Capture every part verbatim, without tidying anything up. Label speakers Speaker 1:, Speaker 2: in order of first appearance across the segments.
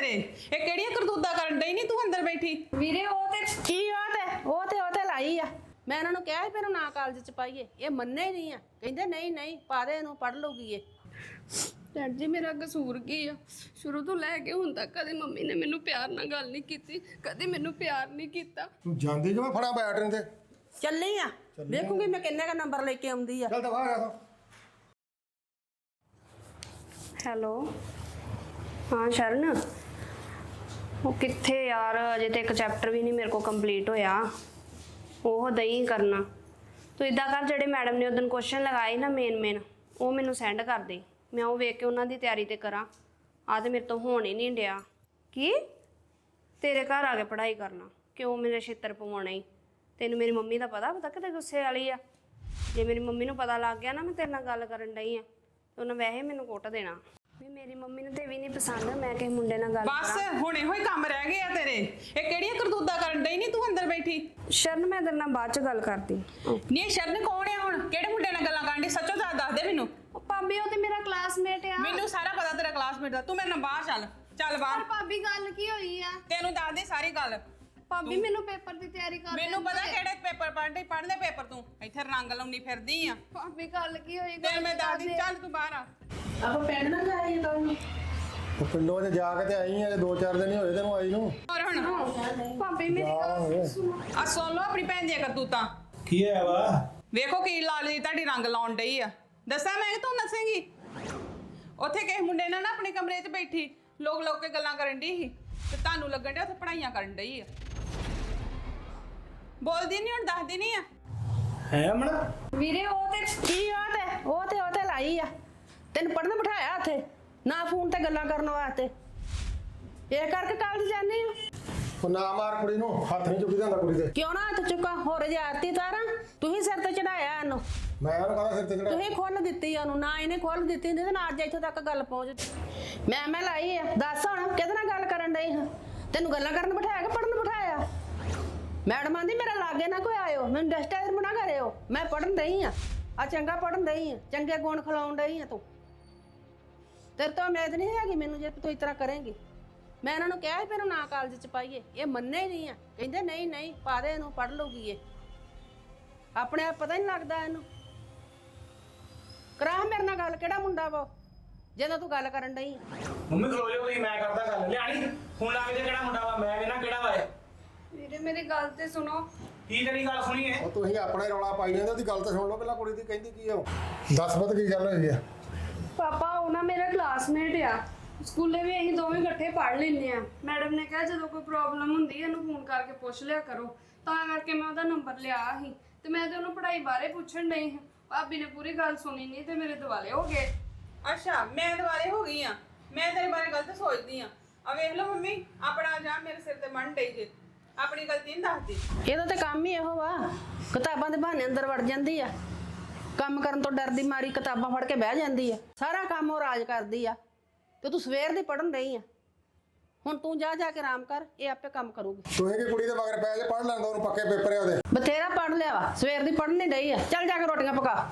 Speaker 1: ਤੇਰੇ ਇਹ ਕਿਹੜੀਆਂ ਕਰਤੂਤਾਂ ਕਰਨ ਡਈ ਨਹੀਂ ਤੂੰ ਅੰਦਰ ਬੈਠੀ
Speaker 2: ਵੀਰੇ ਉਹ ਤੇ
Speaker 3: ਕੀ ਉਹ ਤੇ ਉਹ ਤੇ ਉਹ ਤੇ ਲਾਈ ਆ। ਮੈਂ ਇਹਨਾਂ ਨੂੰ ਕਿਹਾ ਸੀ ਫਿਰ ਨਾ ਕਾਲਜ ਚ ਪਾਈਏ, ਇਹ ਮੰਨੇ ਹੀ ਨਹੀਂ ਆ। ਕਹਿੰਦੇ ਨਹੀਂ ਨਹੀਂ ਪਾ ਦੇ ਇਹਨੂੰ, ਪੜ ਲਊਗੀ ਇਹ।
Speaker 2: ਡੈਡ ਜੀ ਮੇਰਾ ਕਸੂਰ ਕੀ ਆ? ਸ਼ੁਰੂ ਤੋਂ ਲੈ ਕੇ ਹੁਣ ਤੱਕ ਕਦੇ ਮੰਮੀ ਨੇ ਮੈਨੂੰ ਪਿਆਰ ਨਾਲ ਗੱਲ ਨਹੀਂ ਕੀਤੀ, ਕਦੇ ਮੈਨੂੰ ਪਿਆਰ ਨਹੀਂ ਕੀਤਾ।
Speaker 4: ਤੂੰ ਜਾਂਦੀ ਕਿ ਮੈਂ ਫੜਾ ਬੈਟਰਨ ਤੇ
Speaker 3: ਚੱਲੀ ਆ, ਦੇਖੂਗੀ ਮੈਂ ਕਿੰਨੇ ਦਾ ਨੰਬਰ ਲੈ ਕੇ ਆਉਂਦੀ ਆ।
Speaker 4: ਚੱਲ ਦਵਾ ਆ ਤੂੰ।
Speaker 2: ਹੈਲੋ ਹਾਂ ਸ਼ਰਨ, ਉਹ ਕਿੱਥੇ ਯਾਰ, ਅਜੇ ਤੇ ਇੱਕ ਚੈਪਟਰ ਵੀ ਨਹੀਂ ਮੇਰੇ ਕੋਲ ਕੰਪਲੀਟ ਹੋਇਆ। ਉਹ ਦਈ ਕਰਨਾ ਤੂੰ ਇਦਾਂ ਕਰ, ਜਿਹੜੇ ਮੈਡਮ ਨੇ ਉਦੋਂ ਕੁਐਸਚਨ ਲਗਾਏ ਨਾ ਮੇਨ ਮੇਨ, ਉਹ ਮੈਨੂੰ ਸੈਂਡ ਕਰ ਦੇ, ਮੈਂ ਉਹ ਵੇਖ ਕੇ ਉਹਨਾਂ ਦੀ ਤਿਆਰੀ ਤੇ ਕਰਾਂ। ਆ ਤੇ ਮੇਰੇ ਤੋਂ ਹੋਣ ਹੀ ਨਹੀਂ ਡਿਆ। ਕੀ ਤੇਰੇ ਘਰ ਆ ਕੇ ਪੜ੍ਹਾਈ ਕਰਨਾ? ਕਿਉਂ ਮੇਰੇ ਛਿੱਤਰ ਪਵਾਉਣਾ ਹੀ? ਤੈਨੂੰ ਮੇਰੀ ਮੰਮੀ ਦਾ ਪਤਾ ਪਤਾ ਕਿਤੇ ਗੁੱਸੇ ਵਾਲੀ ਆ। ਜੇ ਮੇਰੀ ਮੰਮੀ ਨੂੰ ਪਤਾ ਲੱਗ ਗਿਆ ਨਾ ਮੈਂ ਤੇਰੇ ਨਾਲ ਗੱਲ ਕਰਨ ਡਈ ਆ, ਤੇ ਉਹਨਾਂ ਵੈਸੇ ਮੈਨੂੰ ਕੁੱਟ ਦੇਣਾ। ਵੀ ਮੇਰੀ ਮੰਮੀ ਨੂੰ ਤੇ ਵੀ ਨਹੀਂ ਪਸੰਦ ਮੈਂ ਕਿਸੇ ਮੁੰਡੇ ਨਾਲ ਗੱਲ
Speaker 1: ਬਸ ਹੁਣ ਇਹੋ ਹੀ ਕੰਮ ਰਹਿ ਗਏ ਆ ਤੇਰੇ। ਇਹ ਕਿਹੜੀਆਂ ਕਰਤੂਤਾਂ ਕਰਨ ਡਈ ਨਹੀਂ ਤੂੰ ਅੰਦਰ ਬੈਠੀ?
Speaker 2: ਸ਼ਰਨ ਮੈਂ ਤੇਰੇ ਨਾਲ ਬਾਅਦ ਚ ਗੱਲ ਕਰਦੀ।
Speaker 1: ਨਹੀਂ ਇਹ ਸ਼ਰਨ ਕੌਣ ਆ ਹੁਣ? ਕਿਹੜੇ ਮੁੰਡੇ ਨਾਲ ਗੱਲਾਂ ਕਰਨ ਡਈ? ਸੱਚੋ ਸੱਚ ਦੱਸ ਦੇ ਮੈਨੂੰ।
Speaker 2: ਉਹ ਭਾਬੀ ਉਹ ਤੇ ਮੇਰਾ ਕਲਾਸਮੇਟ ਆ।
Speaker 1: ਮੈਨੂੰ ਸਾਰਾ ਪਤਾ ਤੇਰਾ ਕਲਾਸਮੇਟ ਦਾ। ਤੂੰ ਮੇਰੇ ਨਾਲ ਬਾਹਰ ਚੱਲ, ਚੱਲ ਬਾਹਰ।
Speaker 2: ਭਾਬੀ ਗੱਲ ਕੀ ਹੋਈ ਆ?
Speaker 1: ਤੈਨੂੰ ਦੱਸ ਦੇ ਸਾਰੀ ਗੱਲ।
Speaker 2: ਭਾਬੀ ਮੈਨੂੰ ਪੇਪਰ ਦੀ ਤਿਆਰੀ ਕਰ
Speaker 1: ਮੈਨੂੰ ਪਤਾ ਕਿਹੜੇ ਪੇਪਰ ਪੜ੍ਹਦੇ ਪੜ੍ਹਦੇ ਪੇਪਰ ਤੂੰ ਇੱਥੇ ਰੰਗ ਲਾਉਣੀ ਫਿਰਦੀ ਆ।
Speaker 2: ਭਾਬੀ ਗੱਲ ਕੀ ਹੋਈ?
Speaker 1: ਤੇ ਮੈਂ ਦੱਸਦੀ, ਚੱਲ ਤੂੰ ਬਾਹਰ ਆ।
Speaker 3: ਆਪਾਂ ਪਿੰਡ ਨਾ ਜਾਈਏ ਕੱਲ।
Speaker 4: ਉਹ ਪਿੰਡੋਂ ਚ ਜਾ ਕੇ ਤੇ ਆਈ ਆ, ਦੋ ਚਾਰ ਦਿਨ ਹੀ ਹੋਏ ਤੈਨੂੰ ਆਈ ਨੂੰ।
Speaker 1: ਹੋਰ ਹੁਣ
Speaker 2: ਭਾਬੀ ਮੇਰੀ ਗੱਲ ਸੁਣੋ।
Speaker 1: ਆ ਸੁਣ ਲਓ ਆਪਣੀ ਭੈਣ ਦੀਆਂ ਕਰਤੂਤਾਂ।
Speaker 5: ਕੀ ਹੈ ਵਾ?
Speaker 1: ਵੇਖੋ ਕੀ ਲਾਲੀ ਤੁਹਾਡੀ ਰੰਗ ਲਾਉਣ ਡਈ ਆ। ਦੱਸਾਂ ਮੈਂ ਕਿ ਤੂੰ ਦੱਸੇਂਗੀ? ਉੱਥੇ ਕਿਸੇ ਮੁੰਡੇ ਨਾਲ ਨਾ ਆਪਣੇ ਕਮਰੇ 'ਚ ਬੈਠੀ ਲੋਕ ਲੋਕ ਕੇ ਗੱਲਾਂ ਕਰਨ ਡਈ ਸੀ, ਤੇ ਤੁਹਾਨੂੰ ਲੱਗਣ ਡਿਆ ਉੱਥੇ ਪੜ੍ਹਾਈਆਂ ਕਰਨ ਡਈ ਆ। ਬੋਲਦੀ ਨਹੀਂ ਹੁਣ, ਦੱਸਦੀ ਨਹੀਂ ਆ।
Speaker 5: ਹੈ ਅਮਨ?
Speaker 2: ਵੀਰੇ ਉਹ ਤੇ
Speaker 3: ਕੀ ਉਹ ਤੇ ਉਹ ਤੇ ਉਹ ਤੇ ਲਾਈ ਆ। ਤੈਨੂੰ ਪੜਨ ਬਿਠਾਇਆ ਉੱਥੇ, ਨਾ ਫੋਨ ਤੇ ਗੱਲਾਂ ਕਰਨ ਵਾਸਤੇ। ਇਹ ਕਰਕੇ ਕਾਲਜ ਜਾਂਦੀ ਆ।
Speaker 4: ਉਹ ਨਾ ਮਾਰ ਕੁੜੀ ਨੂੰ, ਹੱਥ ਨਹੀਂ ਚੁੱਕੀ ਜਾਂਦਾ ਕੁੜੀ ਦੇ।
Speaker 3: ਕਿਉਂ ਨਾ ਹੱਥ ਚੁੱਕਾ? ਹੋਰ ਜਾਤੀ ਤਾਰਾਂ ਤੁਸੀਂ ਸਿਰ ਤੇ ਚੜਾਇਆ ਇਹਨੂੰ।
Speaker 4: ਮੈਂ ਉਹਨੂੰ ਕਹਦਾ ਸਿਰ ਤੇ ਚੜਾ।
Speaker 3: ਤੁਸੀਂ ਖੋਲ ਦਿੱਤੀ ਉਹਨੂੰ, ਨਾ ਇਹਨੇ ਖੋਲ ਦਿੱਤੀ ਹੁੰਦੀ ਤੇ ਨਾ ਅੱਜ ਇੱਥੋਂ ਤੱਕ ਗੱਲ ਪਹੁੰਚ। ਮੈਂ ਮੈਂ ਲਾਈ ਆ। ਦੱਸ ਹੁਣ ਕਿਹਦੇ ਨਾਲ ਗੱਲ ਕਰਨ ਡਈ ਹਾਂ? ਤੈਨੂੰ ਗੱਲਾਂ ਕਰਨ ਬਿਠਾਇਆ ਕਿ ਪੜਨ ਬਿਠਾਇਆ? ਮੈਡਮ ਆਂਦੀ ਮੇਰੇ ਲਾਗੇ ਨਾ ਕੋਈ ਆਇਓ, ਮੈਨੂੰ ਡਿਸਟਰਬ ਨਾ ਕਰਿਓ, ਮੈਂ ਪੜਨ ਦਈ ਆ। ਆ ਚੰਗਾ ਪੜਨ ਦਈ ਆ, ਚੰਗੇ ਗੁਣ ਖਿਲਾਉਣ ਡਈ ਆ ਤੂੰ। ਤੇਰੇ ਤੋਂ ਉਮੀਦ ਨਹੀਂ ਹੈਗੀ ਮੈਨੂੰ ਜੇ ਤੂੰ ਇਸ ਤਰ੍ਹਾਂ ਕਰੇਂਗੀ। ਮੈਂ ਇਹਨਾਂ ਨੂੰ ਕਿਹਾ ਸੀ ਫਿਰ ਨਾ ਕਾਲਜ ਚ ਪਾਈਏ, ਇਹ ਮੰਨੇ ਹੀ ਨਹੀਂ ਆ। ਕਹਿੰਦੇ ਨਹੀਂ ਨਹੀਂ ਪਾ ਦੇ ਇਹਨੂੰ, ਪੜ ਲਊਗੀ ਇਹ। ਆਪਣੇ ਆਪ ਪਤਾ ਹੀ ਨਹੀਂ ਲੱਗਦਾ ਇਹਨੂੰ। ਕਰਾ ਮੇਰੇ ਨਾਲ ਗੱਲ, ਕਿਹੜਾ ਮੁੰਡਾ ਵਾ ਜਦੋਂ ਤੂੰ ਗੱਲ ਕਰਨ ਡਈ?
Speaker 5: ਮੰਮੀ ਖਲੋ ਜਾ ਤੁਸੀਂ, ਮੈਂ ਕਰਦਾ ਗੱਲ। ਲਿਆਣੀ ਹੁਣ ਲੱਗ ਜਾ ਕਿਹੜਾ ਮੁੰਡਾ ਵਾ, ਮੈਂ ਵੇਖਣਾ ਕਿਹੜਾ ਵਾ ਇਹ।
Speaker 2: ਵੀਰੇ ਮੇਰੀ ਗੱਲ ਤੇ ਸੁਣੋ।
Speaker 5: ਕੀ ਤੇਰੀ ਗੱਲ ਸੁਣੀ ਹੈ?
Speaker 4: ਉਹ ਤੁਸੀਂ ਆਪਣਾ ਹੀ ਰੌਲਾ ਪਾਈ ਜਾਂਦੇ, ਉਹਦੀ ਗੱਲ ਤਾਂ ਸੁਣ ਲਓ ਪਹਿਲਾਂ। ਕੁੜੀ ਦੀ ਕਹਿੰਦੀ ਕੀ ਆ ਉਹ? ਦੱਸ ਪਤ ਕੀ ਗੱਲ ਹੋਈ ਆ?
Speaker 2: ਪਾਪਾ ਉਹ ਨਾ ਮੇਰਾ ਕਲਾਸਮੇਟ ਆ, ਸਕੂਲੇ ਵੀ ਅਸੀਂ ਦੋਵੇਂ ਇਕੱਠੇ ਪੜ੍ਹ ਲੈਂਦੇ ਆ। ਮੈਡਮ ਨੇ ਕਿਹਾ ਜਦੋਂ ਕੋਈ ਪ੍ਰੋਬਲਮ ਹੁੰਦੀ ਹੈ ਇਹਨੂੰ ਫੋਨ ਕਰਕੇ ਪੁੱਛ ਲਿਆ ਕਰੋ, ਤਾਂ ਕਰਕੇ ਮੈਂ ਉਹਦਾ ਨੰਬਰ ਲਿਆ ਸੀ ਤੇ ਮੈਂ ਤੇ ਉਹਨੂੰ ਪੜ੍ਹਾਈ ਬਾਰੇ ਪੁੱਛਣ ਡਈ ਹਾਂ। ਭਾਬੀ ਨੇ ਪੂਰੀ ਗੱਲ ਸੁਣੀ ਨਹੀਂ ਤੇ ਮੇਰੇ ਦਿਵਾਲੇ ਹੋ ਗਏ।
Speaker 1: ਅੱਛਾ ਮੈਂ ਦੁਆਲੇ ਹੋ ਗਈ ਆ? ਮੈਂ ਤੇਰੇ ਬਾਰੇ ਗਲਤ ਸੋਚਦੀ ਆ। ਆ ਵੇਖ ਲਓ ਮੰਮੀ, ਆਪਣਾ ਜਾਂ ਮੇਰੇ ਸਿਰ ਤੇ ਮੰਨ ਡਈ ਜੇ, ਆਪਣੀ ਗਲਤੀ ਨਹੀਂ ਦੱਸਦੀ।
Speaker 3: ਇਹਦਾ ਤਾਂ ਕੰਮ ਹੀ ਇਹੋ ਵਾ, ਕਿਤਾਬਾਂ ਦੇ ਬਹਾਨੇ ਅੰਦਰ ਵੜ ਜਾਂਦੀ ਆ। ਕੰਮ ਕਰਨ ਤੋਂ ਡਰਦੀ ਮਾਰੀ ਕਿਤਾਬਾਂ ਫੜ ਕੇ ਬਹਿ ਜਾਂਦੀ ਆ। ਸਾਰਾ ਕੰਮ ਉਹ ਰਾਜ ਕਰਦੀ ਆ ਤੇ ਤੂੰ ਸਵੇਰ ਦੀ ਪੜਨ ਰਹੀ ਆ। ਹੁਣ ਤੂੰ ਜਾ ਜਾ ਕੇ ਆਰਾਮ ਕਰ, ਇਹ ਆਪੇ ਕੰਮ ਕਰੂਗੀ।
Speaker 4: ਤੂੰ ਇਹ ਕਿ ਕੁੜੀ ਦੇ ਮਗਰ ਪੈ ਜੇ, ਪੜ ਲੈਂਦਾ ਉਹਨੂੰ, ਪੱਕੇ ਪੇਪਰ ਆ ਉਹਦੇ।
Speaker 3: ਬਥੇਰਾ ਪੜ ਲਿਆ ਵਾ, ਸਵੇਰ ਦੀ ਪੜਨ ਨਹੀਂ ਡਈ ਆ। ਚੱਲ ਜਾ ਕੇ ਰੋਟੀਆਂ ਪਕਾ।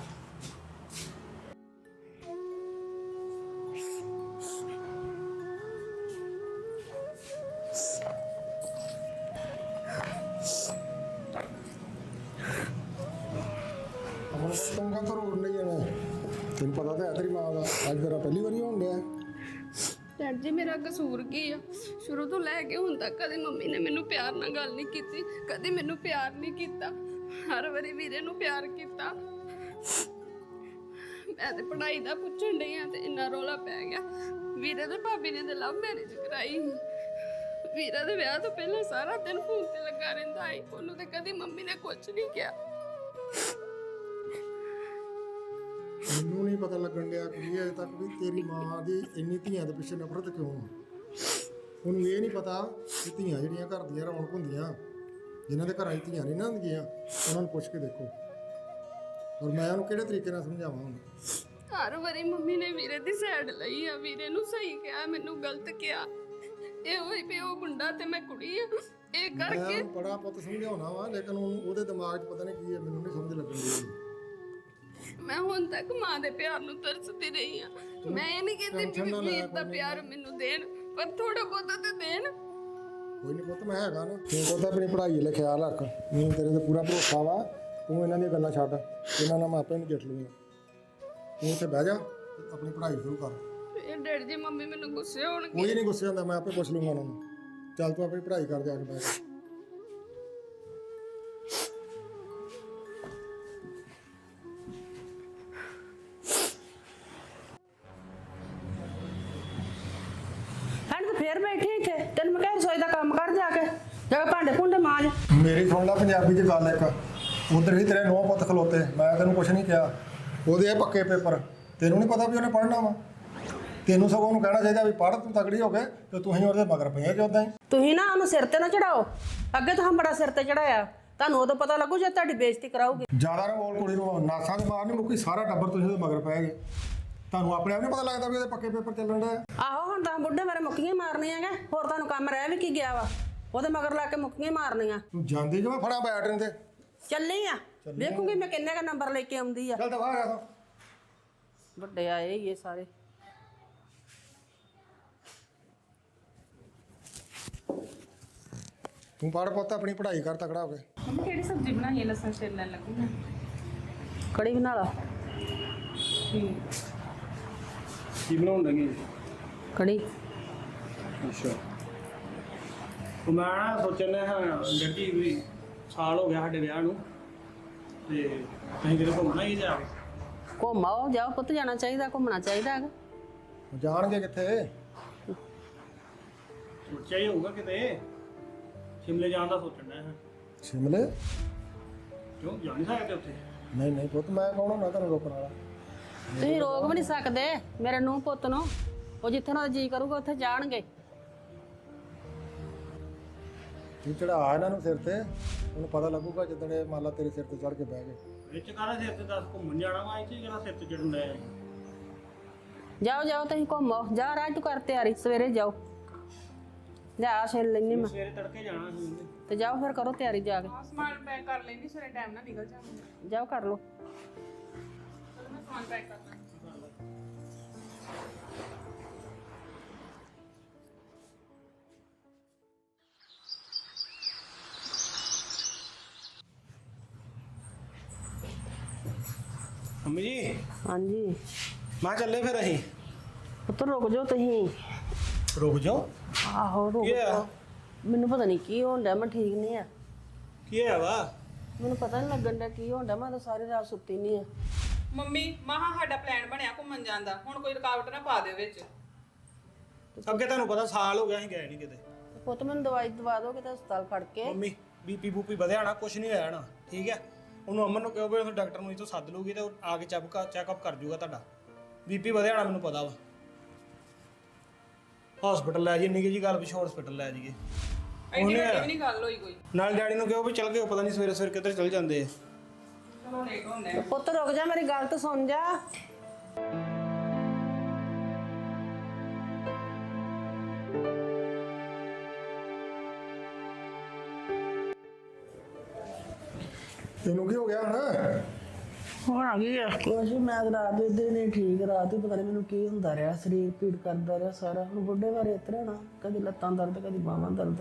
Speaker 4: ਚੰਗਾ ਤਾਂ ਰੋੜ ਨਹੀਂ ਜਾਣਾ, ਤੈਨੂੰ ਪਤਾ ਤਾਂ ਹੈ ਤੇਰੀ ਮਾਂ ਦਾ। ਅੱਜ ਤੇਰਾ ਪਹਿਲੀ ਵਾਰੀ ਹੋਣ ਡਿਆ।
Speaker 2: ਡੈਡ ਜੀ ਮੇਰਾ ਕਸੂਰ ਕੀ ਆ? ਸ਼ੁਰੂ ਤੋਂ ਲੈ ਕੇ ਹੁਣ ਤੱਕ ਕਦੇ ਮੰਮੀ ਨੇ ਮੈਨੂੰ ਪਿਆਰ ਨਾਲ ਗੱਲ ਨਹੀਂ ਕੀਤੀ, ਕਦੇ ਮੈਨੂੰ ਪਿਆਰ ਨਹੀਂ ਕੀਤਾ। ਹਰ ਵਾਰੀ ਵੀਰੇ ਨੂੰ ਪਿਆਰ ਕੀਤਾ। ਮੈਂ ਤੇ ਪੜ੍ਹਾਈ ਦਾ ਪੁੱਛਣ ਡਈ ਆ ਤੇ ਇੰਨਾ ਰੌਲਾ ਪੈ ਗਿਆ। ਵੀਰੇ ਤੇ ਭਾਬੀ ਨੇ ਤੇ ਲਵ ਮੈਰਿਜ ਕਰਾਈ। ਵੀਰਾ ਦੇ ਵਿਆਹ ਤੋਂ ਪਹਿਲਾਂ ਸਾਰਾ ਦਿਨ ਫੋਨ ਤੇ ਲੱਗਾ ਰਹਿੰਦਾ ਸੀ, ਉਹਨੂੰ ਤੇ ਕਦੀ ਮੰਮੀ ਨੇ ਕੁਝ ਨਹੀਂ ਕਿਹਾ।
Speaker 4: ਮੈਨੂੰ ਨਹੀਂ ਪਤਾ ਲੱਗਣ ਡਿਆ ਕੁੜੀ ਅਜੇ ਤੱਕ ਵੀ ਤੇਰੀ ਮਾਂ ਦੀ ਇੰਨੀ ਧੀਆਂ ਦੇ ਪਿੱਛੇ ਨਫ਼ਰਤ ਕਿਉਂ ਆ। ਉਹਨੂੰ ਇਹ ਨਹੀਂ ਪਤਾ ਕਿ ਧੀਆਂ ਜਿਹੜੀਆਂ ਘਰ ਦੀਆਂ ਰੌਣਕ ਹੁੰਦੀਆਂ, ਜਿਨ੍ਹਾਂ ਦੇ ਘਰਾਂ 'ਚ ਧੀਆਂ ਨਹੀਂ ਨਾ ਹੁੰਦੀਆਂ, ਉਹਨਾਂ ਨੂੰ ਪੁੱਛ ਕੇ ਦੇਖੋ। ਔਰ ਮੈਂ ਉਹਨੂੰ ਕਿਹੜੇ ਤਰੀਕੇ ਨਾਲ ਸਮਝਾਵਾਂ ਹੁਣ?
Speaker 2: ਹਰ ਵਾਰੀ ਮੰਮੀ ਨੇ ਵੀਰੇ ਦੀ ਸਾਈਡ ਲਈ ਆ, ਵੀਰੇ ਨੂੰ ਸਹੀ ਕਿਹਾ, ਮੈਨੂੰ ਗਲਤ ਕਿਹਾ। ਇਹ ਹੋਈ ਵੀ ਉਹ ਮੁੰਡਾ ਤੇ ਮੈਂ ਕੁੜੀ ਆ, ਇਹ ਕਰਕੇ
Speaker 4: ਮੈਂ ਬੜਾ ਪੁੱਤ ਸਮਝਾਉਣਾ ਵਾ, ਲੇਕਿਨ ਉਹਨੂੰ ਉਹਦੇ ਦਿਮਾਗ 'ਚ ਪਤਾ ਨਹੀਂ ਕੀ ਹੈ, ਮੈਨੂੰ ਨਹੀਂ ਸਮਝ ਲੱਗਣ ਦੀ।
Speaker 2: ਮੈਂ ਹੁਣ ਤੱਕ ਮਾਂ ਦੇ ਪਿਆਰ ਨੂੰ ਤਰਸਦੀ ਰਹੀ ਆ। ਮੈਂ ਇਹ ਨਹੀਂ ਕਹਿੰਦੀ ਕਿ ਵੀਰ ਦਾ ਪਿਆਰ ਮੈਨੂੰ ਦੇਣ, ਪਰ ਥੋੜਾ ਬਹੁਤਾ ਤੇ ਦੇਣ।
Speaker 4: ਕੋਈ ਨਹੀਂ ਪੁੱਤ ਮੈਂ ਹੈਗਾ ਨਾ ਤੂੰ ਪੁੱਤ ਆਪਣੀ ਪੜ੍ਹਾਈ ਲਈ ਖਿਆਲ ਰੱਖ ਮੈਨੂੰ ਤੇਰੇ ਤੇ ਪੂਰਾ ਭਰੋਸਾ ਵਾ ਤੂੰ ਇਹਨਾਂ ਦੀਆਂ ਗੱਲਾਂ ਛੱਡ ਇਹਨਾਂ ਨਾਲ ਮੈਂ ਆਪੇ ਨੂੰ ਜਿੱਤ ਲੂੰਗਾ ਤੂੰ ਇੱਥੇ ਬਹਿ ਜਾ ਤੇ ਆਪਣੀ ਪੜ੍ਹਾਈ ਸ਼ੁਰੂ ਕਰ
Speaker 2: ਇਹ ਡੈਡੀ ਜੀ ਮੰਮੀ ਮੈਨੂੰ ਗੁੱਸੇ ਹੋਣਗੇ।
Speaker 4: ਕੋਈ ਨਹੀਂ ਗੁੱਸੇ ਹੁੰਦਾ ਮੈਂ ਆਪੇ ਪੁੱਛ ਲੂੰਗਾ ਉਹਨਾਂ ਨੂੰ ਚੱਲ ਤੂੰ ਆਪਣੀ ਪੜ੍ਹਾਈ ਕਰ ਜਾ ਕੇ ਬਹਿ ਜਾ
Speaker 3: ਹਣ ਤੇ ਫੇਰ ਬੈਠੀ ਇੱਥੇ ਤੈਨੂੰ ਮੈਂ ਕਿਹਾ ਰਸੋਈ ਦਾ ਕੰਮ ਕਰ ਜਾ ਕੇ ਜਾ ਕੇ ਭਾਂਡੇ ਭੁੰਡੇ ਮਾਂਜ।
Speaker 4: ਮੇਰੀ ਸੁਣ ਲੈ ਪੰਜਾਬੀ 'ਚ ਗੱਲ ਇੱਕ ਉਧਰ ਹੀ ਤੇਰੇ ਨੌ ਪੁੱਤ ਖਲੋਤੇ ਮੈਂ ਤੈਨੂੰ ਕੁਛ ਨਹੀਂ ਕਿਹਾ ਉਹਦੇ ਇਹ ਪੱਕੇ ਪੇਪਰ ਤੈਨੂੰ ਨਹੀਂ ਪਤਾ ਵੀ ਉਹਨੇ ਪੜ੍ਹਨਾ ਵਾ ਤੈਨੂੰ ਸਗੋਂ ਉਹਨੂੰ ਕਹਿਣਾ ਚਾਹੀਦਾ ਵੀ ਪੜ੍ਹ ਤੂੰ ਤਗੜੀ ਹੋ ਕੇ ਤੇ ਤੂੰ ਹੀ ਉਹਦੇ ਮਗਰ ਪਈਆਂ ਕਿ ਉਦਾਂ ਹੀ
Speaker 3: ਤੁਸੀਂ ਨਾ ਉਹਨੂੰ ਸਿਰ ਤੇ ਨਾ ਚੜਾਓ ਅੱਗੇ ਤਾਂ ਹਮ ਬੜਾ ਸਿਰ ਤੇ ਚੜਾਇਆ ਤੁਹਾਨੂੰ ਉਦੋਂ ਪਤਾ ਲੱਗੂ ਜੇ ਤੁਹਾਡੀ ਬੇਇੱਜ਼ਤੀ ਕਰਾਉਗੇ।
Speaker 4: ਜ਼ਿਆਦਾ ਨਾ ਬੋਲ ਕੁੜੀ ਨੂੰ ਨਾਸਾਂ ਦੇ ਬਾਹਰ ਨਹੀਂ ਮੁੱਕੀ ਸਾਰਾ ਟੱਬਰ ਤੁਸੀਂ ਉਹਦੇ ਮਗਰ ਪੈ ਗਏ ਤੁਹਾਨੂੰ ਆਪਣੇ ਆਪ ਨਹੀਂ ਪਤਾ ਲੱਗਦਾ ਵੀ ਉਹਦੇ ਪੱਕੇ ਪੇਪਰ ਚੱਲਣ ਦਾ
Speaker 3: ਆਹੋ ਹੁਣ ਤਾਂ ਬੁੱਢੇ ਬਾਰੇ ਮੁੱਕੀਆਂ ਮਾਰਨੀਆਂ ਗੇ ਹੋਰ ਤੁਹਾਨੂੰ ਕੰਮ ਰਹਿ ਵੀ ਕੀ ਗਿਆ ਵਾ ਉਹਦੇ ਮਗਰ ਲਾ ਕੇ ਮੁੱਕੀਆਂ ਮਾਰਨੀਆਂ।
Speaker 4: ਤੂੰ ਜਾਂਦੀ ਜਿਵੇਂ ਫੜਾ ਬੈਟਰਨ ਤੇ
Speaker 3: ਚੱਲੀ ਆ ਵੇਖੂਗੀ ਮੈਂ ਕਿੰਨੇ ਦਾ ਨੰਬਰ ਲੈ ਕੇ ਆਉਂਦੀ ਆ।
Speaker 4: ਚੱਲ ਦਵਾ ਆ ਤੂੰ
Speaker 3: ਵੱਡੇ ਆਏ ਹੀ ਇਹ ਸਾਰੇ।
Speaker 4: ਤੂੰ ਪੜ੍ਹ ਪੁੱਤ ਆਪਣੀ ਪੜ੍ਹਾਈ ਕਰ ਤਕੜਾ ਹੋ ਕੇ
Speaker 1: ਮੰਮੀ ਕਿਹੜੀ ਸਬਜ਼ੀ ਬਣਾਈ ਹੈ ਲਸਣ ਛਿੱਲਣ ਲੱਗੂ ਮੈਂ
Speaker 3: ਕੜੀ ਬਣਾ ਲਾ।
Speaker 5: ਕੀ ਬਣਾਉਣ ਲੱਗੇ
Speaker 3: ਕੜੀ
Speaker 5: ਅੱਛਾ ਉਹ ਮੈਂ ਨਾ ਸੋਚਣਾ ਹਾਂ ਗੱਡੀ ਵੀ ਸਾਲ ਹੋ ਗਿਆ ਸਾਡੇ ਵਿਆਹ ਨੂੰ ਤੇ ਅਸੀਂ ਕਿਤੇ ਘੁੰਮਣਾ ਹੀ ਜਾ ਕੇ
Speaker 3: ਘੁੰਮਾਓ ਜਾਓ ਪੁੱਤ ਜਾਣਾ ਚਾਹੀਦਾ ਘੁੰਮਣਾ ਚਾਹੀਦਾ ਹੈਗਾ।
Speaker 4: ਜਾਣਗੇ ਕਿੱਥੇ
Speaker 5: ਸੋਚਿਆ ਹੀ ਹੋਊਗਾ ਕਿਤੇ ਸ਼ਿਮਲੇ ਜਾਣ ਦਾ ਸੋਚਣਾ ਹੈ
Speaker 4: ਸ਼ਿਮਲੇ
Speaker 5: ਕਿਉਂ ਜਾ ਨਹੀਂ ਸਕਦੇ ਉੱਥੇ
Speaker 4: ਨਹੀਂ ਨਹੀਂ ਪੁੱਤ ਮੈਂ ਕੌਣ ਹੁੰਦਾ ਤੈਨੂੰ ਰੋਕਣ ਵਾਲਾ
Speaker 3: ਤੁਸੀਂ ਰੋਕ ਵੀ ਨਹੀਂ ਸਕਦੇ ਮੇਰੇ ਨੂੰਹ ਪੁੱਤ ਨੂੰ ਉਹ ਜਿੱਥੇ ਉਹਨਾਂ ਦਾ ਜੀ ਕਰੂਗਾ ਉੱਥੇ ਜਾਣਗੇ।
Speaker 4: ਤੂੰ ਚੜਾ ਇਹਨਾਂ ਨੂੰ ਸਿਰ ਤੇ ਉਹਨੂੰ ਪਤਾ ਲੱਗੂਗਾ ਜਦੋਂ ਇਹ ਮੰਨ ਲਾ ਤੇਰੇ ਸਿਰ ਤੇ ਚੜ ਕੇ ਬਹਿ ਗਏ
Speaker 5: ਵਿੱਚ ਕਾਹਦਾ ਸਿਰ ਤੇ ਦੱਸ ਘੁੰਮਣ ਜਾਣਾ ਵਾ ਇੱਥੇ ਕਿਹੜਾ ਸਿਰ ਤੇ ਚੜਨ ਡਿਆ
Speaker 3: ਜਾਓ ਜਾਓ ਤੁਸੀਂ ਘੁੰਮੋ ਜਾ ਰਾਜ ਤੂੰ ਕਰ ਤਿਆਰੀ ਸਵੇਰੇ ਜਾਓ ਜਾ ਛੇਲ ਲੈਣੀ ਮੈਂ
Speaker 5: ਸਵੇਰੇ ਤੜਕੇ ਜਾਣਾ ਸੀ ਉਹਨੇ
Speaker 3: ਤੇ ਜਾਓ ਫਿਰ ਕਰੋ ਤਿਆਰੀ ਜਾ ਕੇ
Speaker 1: ਆਹ ਸਮਾਨ ਪੈਕ ਕਰ ਲੈਣੀ ਸਵੇਰੇ ਟਾਈਮ ਨਾਲ ਨਿਕਲ ਜਾਵਾਂਗੇ।
Speaker 3: ਜਾਓ ਕਰ ਲਓ।
Speaker 1: ਚਲੋ ਮੈਂ ਸਮਾਨ ਪੈਕ ਕਰਦਾ
Speaker 5: ਮੰਮੀ ਜੀ
Speaker 3: ਹਾਂਜੀ
Speaker 5: ਮੈਂ ਚੱਲੇ ਫਿਰ ਅਸੀਂ
Speaker 3: ਪੁੱਤ ਰੁਕ ਜਾਓ ਤੁਸੀਂ।
Speaker 5: ਰੁਕ ਜਾਓ
Speaker 3: ਆਹੋ ਰੁਕ
Speaker 5: ਕੀ ਹੋਇਆ?
Speaker 3: ਜਾਓ ਮੈਨੂੰ ਪਤਾ ਨਹੀਂ ਕੀ ਹੋਣ ਡਿਆ ਮੈਂ ਠੀਕ ਨਹੀਂ ਆ
Speaker 5: ਕੀ ਹੋਇਆ ਵਾ
Speaker 3: ਮੈਨੂੰ ਪਤਾ ਨਹੀਂ ਲੱਗਣ ਡਿਆ ਕੀ ਹੋਣ ਡਿਆ ਮੈਂ ਤਾਂ ਸਾਰੀ ਰਾਤ ਸੁੱਤੀ ਨਹੀਂ ਆ।
Speaker 1: ਮੰਮੀ ਮਹਾ ਸਾਡਾ ਪਲਾਨ ਬਣਿਆ ਘੁੰਮਣ ਜਾਣ ਦਾ ਹੁਣ ਕੋਈ ਰੁਕਾਵਟ ਨਾ ਪਾ ਦੇ ਵਿੱਚ।
Speaker 5: ਅੱਗੇ ਤੁਹਾਨੂੰ ਪਤਾ ਸਾਲ ਹੋ ਗਿਆ ਅਸੀਂ ਗਏ ਨਹੀਂ ਕਿਤੇ
Speaker 3: ਪੁੱਤ ਮੈਨੂੰ ਦਵਾਈ ਦਵਾ ਦਿਓ ਕਿਤੇ ਹਸਪਤਾਲ ਖੜ ਕੇ।
Speaker 5: ਮੰਮੀ ਬੀਪੀ ਬੂਪੀ ਵਧਿਆ ਨਾ ਕੁਝ ਨਹੀਂ ਹੋਇਆ ਨਾ ਠੀਕ ਹੈ ਉਹਨੂੰ ਅਮਨ ਨੂੰ ਕਹੋ ਵੀ ਉਹ ਡਾਕਟਰ ਨੂੰ ਇਥੋਂ ਸੱਦ ਲੂਗੀ ਤੇ ਉਹ ਆ ਕੇ ਚੈੱਕ ਚੈੱਕਅਪ ਕਰ ਜੂਗਾ ਤੁਹਾਡਾ ਬੀਪੀ ਵਧਿਆ ਨਾ ਮੈਨੂੰ ਪਤਾ ਵਾ ਹਸਪੀਟਲ ਲੈ ਜੀ ਇੰਨੀ ਜੀ ਗੱਲ ਪਿੱਛੋਂ ਹਸਪੀਟਲ ਲੈ ਜਾਈਏ
Speaker 1: ਐਡੀ ਵੱਡੀ ਵੀ ਨਹੀਂ ਗੱਲ ਹੋਈ ਕੋਈ।
Speaker 5: ਨਾਲ ਡੈਡੀ ਨੂੰ ਕਹੋ ਵੀ ਚੱਲ ਗਏ ਪਤਾ ਨਹੀਂ ਸਵੇਰੇ ਸਵੇਰੇ ਕਿੱਧਰ ਚੱਲ ਜਾਂਦੇ ਆ
Speaker 1: ਚਲੋ ਲੇਟ ਹੁੰਦੇ ਆ।
Speaker 3: ਪੁੱਤ ਰੁਕ ਜਾ ਮੇਰੀ ਗੱਲ ਤਾਂ ਸੁਣ ਜਾ।
Speaker 4: ਤੈਨੂੰ ਕੀ ਹੋ ਗਿਆ ਹੁਣ
Speaker 3: ਹੁਣ ਆ ਗਈ ਆ ਕੁਛ ਮੈਂ ਤਾਂ ਰਾਤ ਦੇ ਦਿਨ ਹੀ ਠੀਕ ਰਾਤ ਹੀ ਪਤਾ ਨਹੀਂ ਮੈਨੂੰ ਕੀ ਹੁੰਦਾ ਰਿਹਾ ਸਰੀਰ ਪੀੜ ਕਰਦਾ ਰਿਹਾ ਸਾਰਾ ਹੁਣ ਬੁੱਢੇ ਬਾਰੇ ਇਤਰਾ ਨਾ ਕਦੀ ਲੱਤਾਂ ਦਰਦ ਕਦੀ ਬਾਹਾਂ ਦਰਦ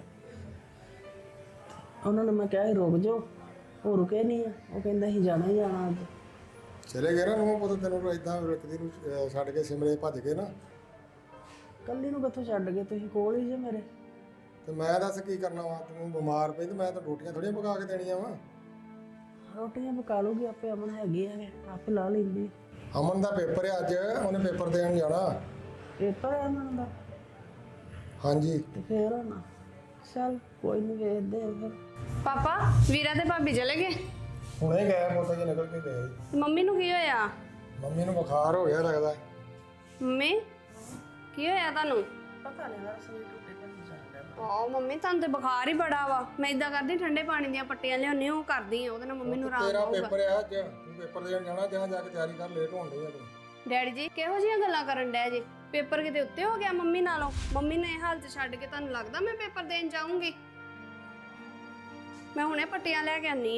Speaker 3: ਉਹਨਾਂ ਨੇ ਮੈਂ ਕਿਹਾ ਸੀ ਰੁਕ ਜਾਓ ਉਹ ਰੁਕੇ ਨਹੀਂ ਆ ਉਹ ਕਹਿੰਦਾ ਸੀ ਜਾਣਾ ਹੀ ਜਾਣਾ ਅੱਜ।
Speaker 4: ਚਲੇ ਗਏ ਨਾ ਨੂੰ ਪੁੱਤ ਤੈਨੂੰ ਇਦਾਂ ਰੱਖਦੀ ਨੂੰ ਅਹ ਛੱਡ ਕੇ ਸਿਮਲੇ ਭੱਜ ਕੇ ਨਾ
Speaker 3: ਕੱਲੀ ਨੂੰ ਕਿੱਥੋਂ ਛੱਡ ਗਏ ਤੁਸੀਂ ਕੋਲ ਹੀ ਜੇ ਮੇਰੇ।
Speaker 4: ਤੇ ਮੈਂ ਦੱਸ ਕੀ ਕਰਨਾ ਵਾ ਤੂੰ ਬਿਮਾਰ ਪਈ ਤੇ ਮੈਂ ਤਾਂ ਰੋਟੀਆਂ ਥੋੜੀਆਂ ਪਕਾ ਕੇ ਦੇਣੀਆਂ ਵਾ
Speaker 3: ਰੋਟੀਆਂ ਪਕਾ ਲੂਗੀ ਆਪੇ ਅਮਨ ਹੈਗੀ ਆ ਆਪੇ ਲਾ ਲੈਂਦੀ।
Speaker 4: ਅਮਨ ਦਾ ਪੇਪਰ ਹੈ ਅੱਜ ਉਹਨੇ ਪੇਪਰ ਦੇਣ ਜਾਣਾ
Speaker 3: ਪੇਪਰ ਹੈ ਅਮਨ ਦਾ
Speaker 4: ਹਾਂਜੀ
Speaker 3: ਤੇ ਫੇਰ ਹੋਣਾ ਚੱਲ ਕੋਈ ਨਹੀਂ ਵੇਖਦੇ ਆ ਫਿਰ।
Speaker 2: ਪਾਪਾ ਵੀਰਾ ਤੇ ਭਾਬੀ ਚਲੇ ਗਏ।
Speaker 4: ਹੁਣੇ ਗਏ ਪੁੱਤ ਜੀ ਨਿਕਲ ਕੇ ਗਏ
Speaker 2: ਮੰਮੀ ਨੂੰ ਕੀ ਹੋਇਆ?
Speaker 4: ਮੰਮੀ ਨੂੰ ਬੁਖਾਰ ਹੋ ਗਿਆ ਲੱਗਦਾ
Speaker 2: ਮੰਮੀ ਕੀ ਹੋਇਆ ਤੁਹਾਨੂੰ?
Speaker 3: ਪਤਾ ਨਹੀਂ ਯਾਰ ਸਰੀਰ ਟੁੱਟੇ ਕਰ ਜਾਂਦਾ।
Speaker 2: ਆਹ ਮੰਮੀ ਤੁਹਾਨੂੰ ਤੇ ਬੁਖਾਰ ਹੀ ਬੜਾ ਵਾ। ਮੈਂ ਇਦਾਂ ਕਰਦੀ ਠੰਡੇ ਪਾਣੀ ਦੀਆਂ ਪੱਟੀਆਂ ਲਿਆਉਣੀ ਉਹ ਕਰਦੀ ਆ ਉਹਦੇ ਨਾਲ ਮੰਮੀ ਨੂੰ ਆਰਾਮ
Speaker 4: ਤੇਰਾ
Speaker 2: ਹੋਊਗਾ।
Speaker 4: ਪੇਪਰ ਹੈ ਅੱਜ ਤੂੰ ਪੇਪਰ ਦੇਣ ਜਾਣਾ ਜਾਂ ਜਾ ਕੇ ਤਿਆਰੀ ਕਰ ਲੇਟ ਹੋਣ ਡਈ ਆ ਤੂੰ
Speaker 2: ਡੈਡੀ ਜੀ ਕਿਹੋ ਜਿਹੀਆਂ ਗੱਲਾਂ ਕਰਨ ਡੈ ਜੇ? ਪੇਪਰ ਕਿਤੇ ਉੱਤੇ ਹੋ ਗਿਆ ਮੰਮੀ ਨਾਲੋਂ? ਮੰਮੀ ਨੇ ਇਹ ਹਾਲਤ ਛੱਡ ਕੇ ਤੁਹਾਨੂੰ ਲੱਗਦਾ ਮੈਂ ਪੇਪਰ ਦੇਣ ਜਾਊਂਗੀ? ਮੈਂ ਹੁਣੇ ਪੱਟੀਆਂ ਲੈ ਕੇ ਆਨੀ ਆ।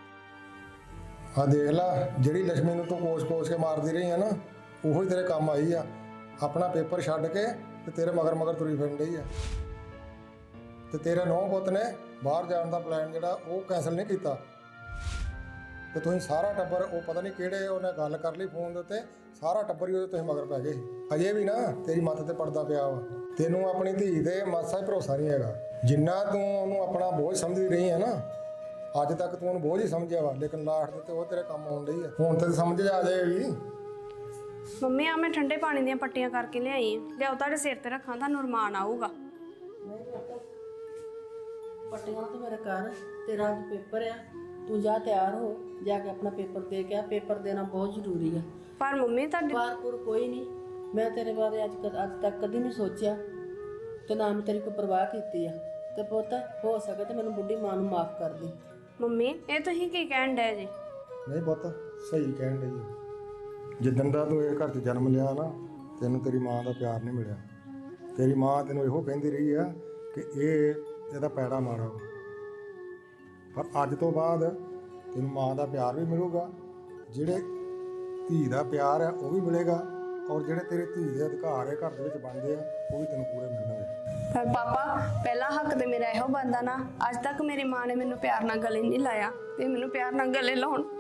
Speaker 4: ਆ ਦੇਖ ਲੈ ਜਿਹੜੀ ਲక్ష్ਮੀ ਨੂੰ ਤੂੰ ਕੋਸ-ਕੋਸ ਕੇ ਮਾਰਦੀ ਰਹੀ ਆ ਨਾ ਉਹੋ ਹੀ ਤੇਰੇ ਕੰਮ ਆਈ ਆ ਆਪਣਾ ਪੇਪਰ ਛੱਡ ਕੇ ਤੇ ਤੇਰੇ ਮਗਰ ਮਗਰ ਤੁਰੀ ਫਿਰਨ ਡਈ ਆ ਤੇ ਤੇਰੇ ਨੌ ਪੁੱਤ ਨੇ ਬਾਹਰ ਜਾਣ ਦਾ ਪਲਾਨ ਜਿਹੜਾ ਉਹ ਕੈਂਸਲ ਨਹੀਂ ਕੀਤਾ ਤੇ ਤੁਸੀਂ ਸਾਰਾ ਟੱਬਰ ਉਹ ਪਤਾ ਨਹੀਂ ਕਿਹੜੇ ਉਹਨੇ ਗੱਲ ਕਰ ਲਈ ਫੋਨ ਦੇ ਉੱਤੇ ਸਾਰਾ ਟੱਬਰ ਹੀ ਉਹਦੇ ਤੁਸੀਂ ਮਗਰ ਪੈ ਗਏ ਸੀ। ਅਜੇ ਵੀ ਨਾ ਤੇਰੀ ਮੱਤ ਤੇ ਪੜਦਾ ਪਿਆ ਵਾ ਤੈਨੂੰ ਆਪਣੀ ਧੀ ਤੇ ਮਾਸਾ ਹੀ ਭਰੋਸਾ ਨਹੀਂ ਹੈਗਾ ਜਿੰਨਾ ਤੂੰ ਉਹਨੂੰ ਆਪਣਾ ਬੋਝ ਸਮਝਦੀ ਰਹੀ ਹੈ ਨਾ ਅੱਜ ਤੱਕ ਤੂੰ ਉਹਨੂੰ ਬੋਝ ਹੀ ਸਮਝਿਆ ਵਾ ਲੇਕਿਨ ਲਾਸਟ ਤੇ ਉਹ ਤੇਰੇ ਕੰਮ ਆਉਣ ਡਈ ਆ ਹੁਣ ਤੇ ਸਮਝ ਆ ਜਾਏਗੀ।
Speaker 2: ਮੰਮੀ ਆ ਮੈਂ ਠੰਡੇ ਪਾਣੀ ਦੀਆਂ ਪੱਟੀਆਂ ਕਰਕੇ ਲਿਆਈ ਆ ਲਿਆਓ ਤੁਹਾਡੇ ਸਿਰ ਤੇ ਰੱਖਾਂ ਤੁਹਾਨੂੰ ਰਮਾਨ ਆਊਗਾ।
Speaker 3: ਪੱਟੀਆਂ ਤਾਂ ਮੇਰੇ ਘਰ ਤੇਰਾ ਅੱਜ ਪੇਪਰ ਆ ਤੂੰ ਜਾ ਤਿਆਰ ਹੋ ਜਾ ਕੇ ਆਪਣਾ ਪੇਪਰ ਦੇ ਕੇ ਆ ਪੇਪਰ ਦੇਣਾ ਬਹੁਤ ਜ਼ਰੂਰੀ ਆ।
Speaker 2: ਪਰ ਮੰਮੀ ਤੁਹਾਡੀ
Speaker 3: ਬਾਰਪੁਰ ਕੋਈ ਨਹੀਂ ਮੈਂ ਤੇਰੇ ਬਾਰੇ ਅੱਜ ਕ- ਅੱਜ ਤੱਕ ਕਦੀ ਨਹੀਂ ਸੋਚਿਆ ਤੇ ਨਾ ਮੈਂ ਤੇਰੀ ਕੋਈ ਪਰਵਾਹ ਕੀਤੀ ਆ ਤੇ ਪੁੱਤ ਹੋ ਸਕੇ ਤੇ ਮੈਨੂੰ ਬੁੱਢੀ ਮਾਂ ਨੂੰ ਮਾਫ ਕਰ ਦੇ।
Speaker 2: ਮੰਮੀ ਇਹ ਤੁਸੀਂ ਕੀ ਕਹਿਣ ਡਏ ਜੀ?
Speaker 4: ਨਹੀਂ ਪੁੱਤ ਸਹੀ ਕਹਿਣ ਡਈ ਆ ਜਿੱਦਣ ਦਾ ਤੂੰ ਇਹ ਘਰ 'ਚ ਜਨਮ ਲਿਆ ਨਾ ਤੈਨੂੰ ਤੇਰੀ ਮਾਂ ਦਾ ਪਿਆਰ ਨਹੀਂ ਮਿਲਿਆ ਤੇਰੀ ਮਾਂ ਤੈਨੂੰ ਇਹੋ ਕਹਿੰਦੀ ਰਹੀ ਆ ਕਿ ਇਹ ਇਹਦਾ ਪੈੜਾ ਮਾੜਾ ਵਾ। ਪਰ ਅੱਜ ਤੋਂ ਬਾਅਦ ਤੈਨੂੰ ਮਾਂ ਦਾ ਪਿਆਰ ਵੀ ਮਿਲੂਗਾ ਜਿਹੜੇ ਧੀ ਦਾ ਪਿਆਰ ਹੈ ਉਹ ਵੀ ਮਿਲੇਗਾ ਔਰ ਜਿਹੜੇ ਤੇਰੇ ਧੀ ਦੇ ਅਧਿਕਾਰ ਹੈ ਘਰ ਦੇ ਵਿੱਚ ਬਣਦੇ ਆ ਉਹ ਵੀ ਤੈਨੂੰ ਪੂਰੇ ਮਿਲਣਗੇ।
Speaker 2: ਪਰ ਪਾਪਾ ਪਹਿਲਾ ਹੱਕ ਤੇ ਮੇਰਾ ਇਹੋ ਬਣਦਾ ਨਾ ਅੱਜ ਤੱਕ ਮੇਰੀ ਮਾਂ ਨੇ ਮੈਨੂੰ ਪਿਆਰ ਨਾਲ ਗਲੇ ਨਹੀਂ ਲਾਇਆ ਤੇ ਮੈਨੂੰ ਪਿਆਰ ਨਾਲ ਗਲੇ ਲਾਉਣ